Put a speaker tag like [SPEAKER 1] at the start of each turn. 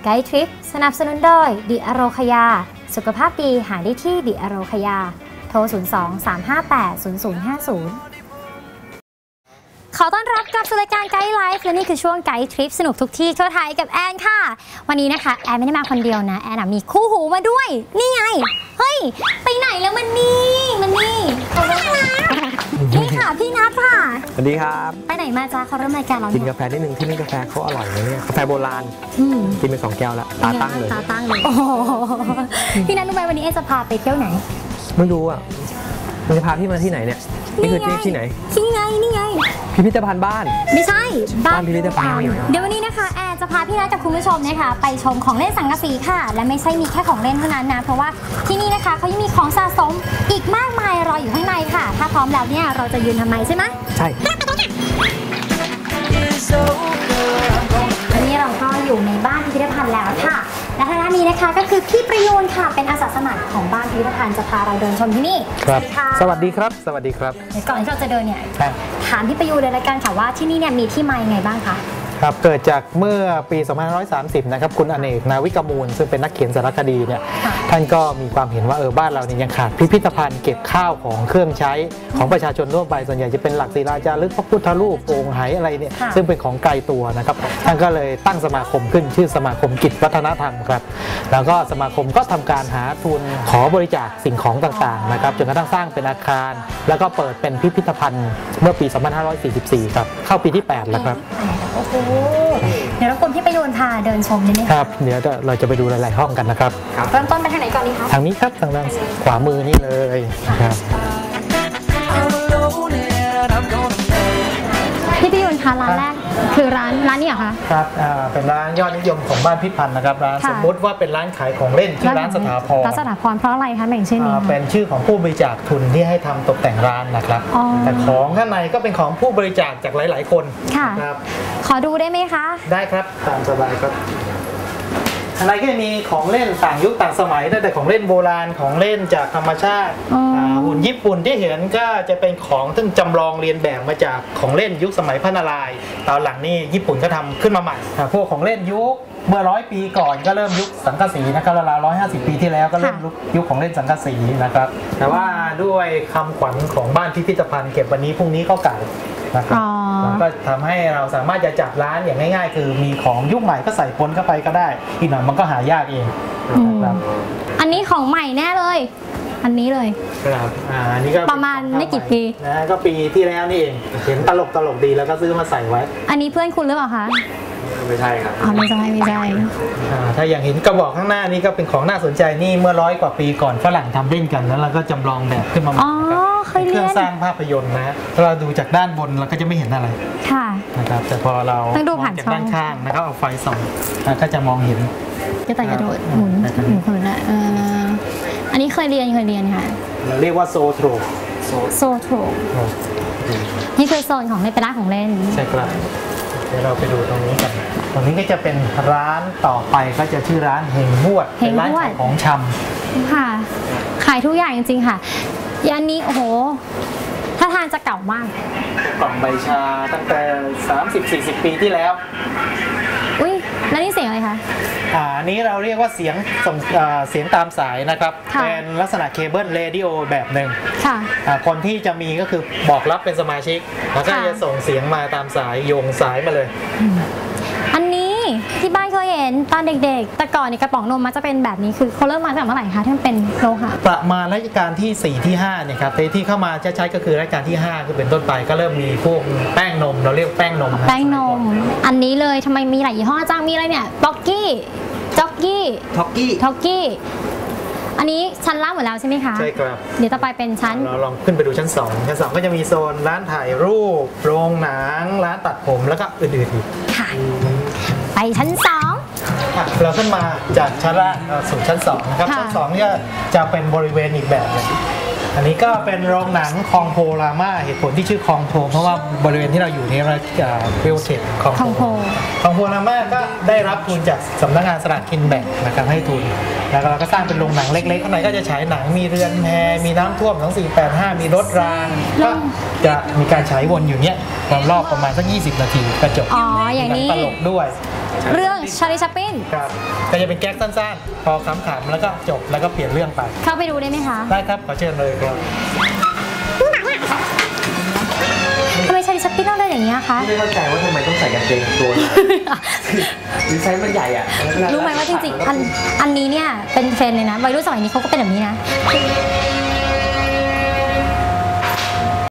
[SPEAKER 1] ไกด์ทริปสนับสนุนโดยดิอโรคยาสุขภาพดีหาได้ที่ดิอโรคยาโทร 02-358-0050 ขอต้อนรับกลับสู่รายการไกด์ไลฟ์และนี่คือช่วงไกด์ทริปสนุกทุกที่ทั่วไทยกับแอนค่ะวันนี้นะคะแอนไม่ได้มาคนเดียวนะแอนมีคู่หูมาด้วยนี่ไงเฮ้ยไปไหนแล้วมันนี่นี่ค่ะพี่นัทค่ะ
[SPEAKER 2] สวัสดีครับ
[SPEAKER 1] ไปไหนมาจ้าเขาเริ่มรายการเรา
[SPEAKER 2] กินกาแฟนิดนึงที่นี่กาแฟเขาอร่อยนะเนี่ยกาแฟโบราณกินไป2 แก้วแล้วตาตั้งเลย
[SPEAKER 1] โอ้พี่นัทรู้ไหมวันนี้แอนจะพาไปเที่ยวไหน
[SPEAKER 2] ไม่รู้อ่ะมันจะพาพี่มาที่ไหนเนี่ยนี่คือที่ไหน
[SPEAKER 1] นี่ไง
[SPEAKER 2] พิพิธภัณฑ์บ้าน
[SPEAKER 1] ไม่ใช่
[SPEAKER 2] บ้านพิพิธภัณฑ์
[SPEAKER 1] เดี๋ยววันนี้นะคะแอนจะพาพี่นัทกับคุณผู้ชมนะคะไปชมของเล่นสังกะสีค่ะและไม่ใช่มีแค่ของเล่นเท่านั้นนะเพราะว่าที่นี่นะคะเขายังมีของสะสมอีกมากมายรออยู่ข้างในค่ะถ้าพร้อมแล้วเนี่ยเราจะยืนทำไมใช่ไหม
[SPEAKER 2] ใช่
[SPEAKER 1] วันนี้เราก็อยู่ในบ้านพิพิธภัณฑ์แล้วค่ะและทางด้านนี้นะคะก็คือพี่ประยูนค่ะเป็นอาสาสมัครของบ้านพิพิธภัณฑ์จะพาเราเดินชมที่นี่
[SPEAKER 2] ครับสวัสดีครับสวัสดีครับ
[SPEAKER 1] ก่อนที่เราจะเดินเนี่ยถามพี่ประยูนเลยละกันค่ะว่าที่นี่เนี่ยมีที่มายังไงบ้างคะ
[SPEAKER 2] ครับเกิดจากเมื่อปี 2530 นะครับคุณอเนกนาวิกมูลซึ่งเป็นนักเขียนสารคดีเนี่ยท่านก็มีความเห็นว่าบ้านเราเนี่ยยังขาดพิพิธภัณฑ์เก็บข้าวของเครื่องใช้ของประชาชนทั่วไปส่วนใหญ่จะเป็นหลักศิลาจารึกพระพุทธรูปโอ่งไหอะไรเนี่ยซึ่งเป็นของไกลตัวนะครับท่านก็เลยตั้งสมาคมขึ้นชื่อสมาคมกิจวัฒนธรรมครับแล้วก็สมาคมก็ทำการหาทุนขอบริจาคสิ่งของต่างๆนะครับจนกระทั่งสร้างเป็นอาคารแล้วก็เปิดเป็นพิพิธภัณฑ์เมื่อปี 2544 ครับเข้าปีที่ 8 แล้วครับ
[SPEAKER 1] เดี๋ยวรบกวนพี่ประยูนพาเดินชมได้ไหม
[SPEAKER 2] ครับเดี๋ยวเราจะไปดูหลายๆห้องกันนะครับ
[SPEAKER 1] เริ่มต้นไปทางไหนก่อนดีคะ
[SPEAKER 2] ทางนี้ครับทางด้านขวามือนี่เลยครับ
[SPEAKER 1] พี่ประยูนคะร้านแรกคือร้านนี้เหรอคะ
[SPEAKER 2] ครับเป็นร้านยอดนิยมของบ้านพิพันธ์นะครับร้านสมมติว่าเป็นร้านขายของเล่นชื่อร้านสถาพร
[SPEAKER 1] เพราะอะไรคะแบ่งชื่อนี้
[SPEAKER 2] เป็นชื่อของผู้บริจาคทุนที่ให้ทำตกแต่งร้านนะครับแต่ของข้างในก็เป็นของผู้บริจาคจากหลายๆคน
[SPEAKER 1] ครับขอดูได้ไหมคะ
[SPEAKER 2] ได้ครับตามสบายครับข้างในก็จะมีของเล่นต่างยุคต่างสมัยตั้งแต่ของเล่นโบราณของเล่นจากธรรมชาติหุ่นญี่ปุ่นที่เห็นก็จะเป็นของซึ่งจำลองเรียนแบบมาจากของเล่นยุคสมัยพระนารายณ์ตอนหลังนี่ญี่ปุ่นก็ทำขึ้นมาใหม่พวกของเล่นยุคเมื่อ100 ปีก่อนก็เริ่มยุคสังกะสีนะครับราวๆ150 ปีที่แล้วก็เริ่มยุคของเล่นสังกะสีนะครับแต่ว่าด้วยคำขวัญของบ้านพิพิธภัณฑ์เก็บวันนี้พรุ่งนี้ก็เก่านะครับแล้วก็ทำให้เราสามารถจะจัดร้านอย่างง่ายๆคือมีของยุคใหม่ก็ใส่ปนเข้าไปก็ได้อีกหน่อยมันก็หายากเองนะครับ
[SPEAKER 1] อันนี้ของใหม่แน่เลยอันนี้เลย
[SPEAKER 2] ครับอันนี้ก็
[SPEAKER 1] ประมาณไม่กี่ปี
[SPEAKER 2] นะก็ปีที่แล้วนี่เองเห็นตลกดีแล้วก็ซื้อมาใส่ไว้
[SPEAKER 1] อันนี้เพื่อนคุณหรือเปล่าคะ
[SPEAKER 2] ไม่ใช่ครับ
[SPEAKER 1] ไม่ใช่
[SPEAKER 2] ถ้าอย่างเห็นกระบอกข้างหน้านี่ก็เป็นของน่าสนใจนี่เมื่อ100 กว่าปีก่อนฝรั่งทำเล่นกันแล้วเราก็จำลองแบบขึ้นมาใหม่เครื่องสร้างภาพยนตร์นะเราดูจากด้านบนเราก็จะไม่เห็นอะไร
[SPEAKER 1] ค่ะ
[SPEAKER 2] นะครับแต่พอเราจากด้านข้างนะครับเอาไฟส่องก็จะมองเห็น
[SPEAKER 1] จะแต่กระโดดหมุนนะอันนี้เคยเรียนค่ะ
[SPEAKER 2] เราเรียกว่าโซโทร
[SPEAKER 1] นี่คือโซนของเล่นเป็นร้านของเล่น
[SPEAKER 2] ใช่ครับเดี๋ยวเราไปดูตรงนี้กันตรงนี้ก็จะเป็นร้านต่อไปก็จะชื่อร้านเฮงบวดเป็นร้านขายของชำ
[SPEAKER 1] ค่ะขายทุกอย่างจริงๆค่ะยันนี้โอ้โหถ้าทานจะเก่ามาก
[SPEAKER 2] กล่องใบชาตั้งแต่ 30-40 ปีที่แล้ว
[SPEAKER 1] อุ้ยแล้วนี่เสียงอะไรคะ
[SPEAKER 2] อันนี้เราเรียกว่าเสียงส่งเสียงตามสายนะครับเป็นลักษณะเคเบิลเรดิโอแบบหนึ่งคนที่จะมีก็คือบอกรับเป็นสมาชิกแล้วก็จะส่งเสียงมาตามสายโยงสายมาเลย
[SPEAKER 1] อันนี้ที่บ้านเคยเห็นตอนเด็กๆแต่ก่อนนี่กระป๋องนมมันจะเป็นแบบนี้คือเขาเริ่มมาตั้งแต่เมื่อไหร่คะที่มันเป็นโลหะ
[SPEAKER 2] ประมาณรัชกาลที่ 4 ที่ 5เนี่ยครับที่เข้ามาใช้ก็คือรัชกาลที่5คือเป็นต้นไปก็เริ่มมีพวกแป้งนมเราเรียกแป้งนม
[SPEAKER 1] อันนี้เลยทำไมมีหลายยี่ห้อจังมีอะไรเนี่ยบ็อกกี้จ็อกกี้อันนี้ชั้นล่างหมดแล้วใช่ไหมคะ
[SPEAKER 2] ใช่ครับ
[SPEAKER 1] เดี๋ยวต่อไปเป็นชั้น
[SPEAKER 2] เราลองขึ้นไปดูชั้น2ก็จะมีโซนร้านถ่ายรูปโรงหนังร้านตัดผมแล้วก็อื่นๆอีก
[SPEAKER 1] ค่ะไปชั้น2
[SPEAKER 2] เราขึ้นมาจากชั้นล่างสู่ชั้น2นะครับชั้น2เนี่ยจะเป็นบริเวณอีกแบบนึงอันนี้ก็เป็นโรงหนังคองโพรามาเหตุผลที่ชื่อคองโพเพราะว่าบริเวณที่เราอยู่นี้เราเวลเทคคองโพรามาก็ได้รับทุนจากสำนักงานสลากกินแบ่งนะครับให้ทุนแล้วเราก็สร้างเป็นโรงหนังเล็กๆข้างในก็จะฉายหนังมีเรือนแพมีน้ำท่วม2485มีรถรางก็จะมีการฉายวนอยู่เนี้ยรอบประมาณสัก20 นาทีก็จบ
[SPEAKER 1] อย่างนี้
[SPEAKER 2] ตลกด้วย
[SPEAKER 1] เรื่องชาลีชัปปิน
[SPEAKER 2] ครับก็จะเป็นแก๊กสั้นๆ พอขำๆแล้วก็จบแล้วก็เปลี่ยนเรื่องไป
[SPEAKER 1] เข้าไปดูได้ไหมคะ
[SPEAKER 2] ได้ครับขอเชิญเลยครับ
[SPEAKER 1] ทำไมชาลีชัปปินต้องเดินอย่างนี้ยคะ
[SPEAKER 3] ไม่เข้าใจว่าทำไมต้องใส่กางเกงตัวนี้ดีไซน์มันใหญ่อะ
[SPEAKER 1] รู้ไหมว่าจริงๆอันนี้เนี่ยเป็นเทรนด์เลยนะวัยรุ่นสมัยนี้เขาก็เป็นแบบนี้นะ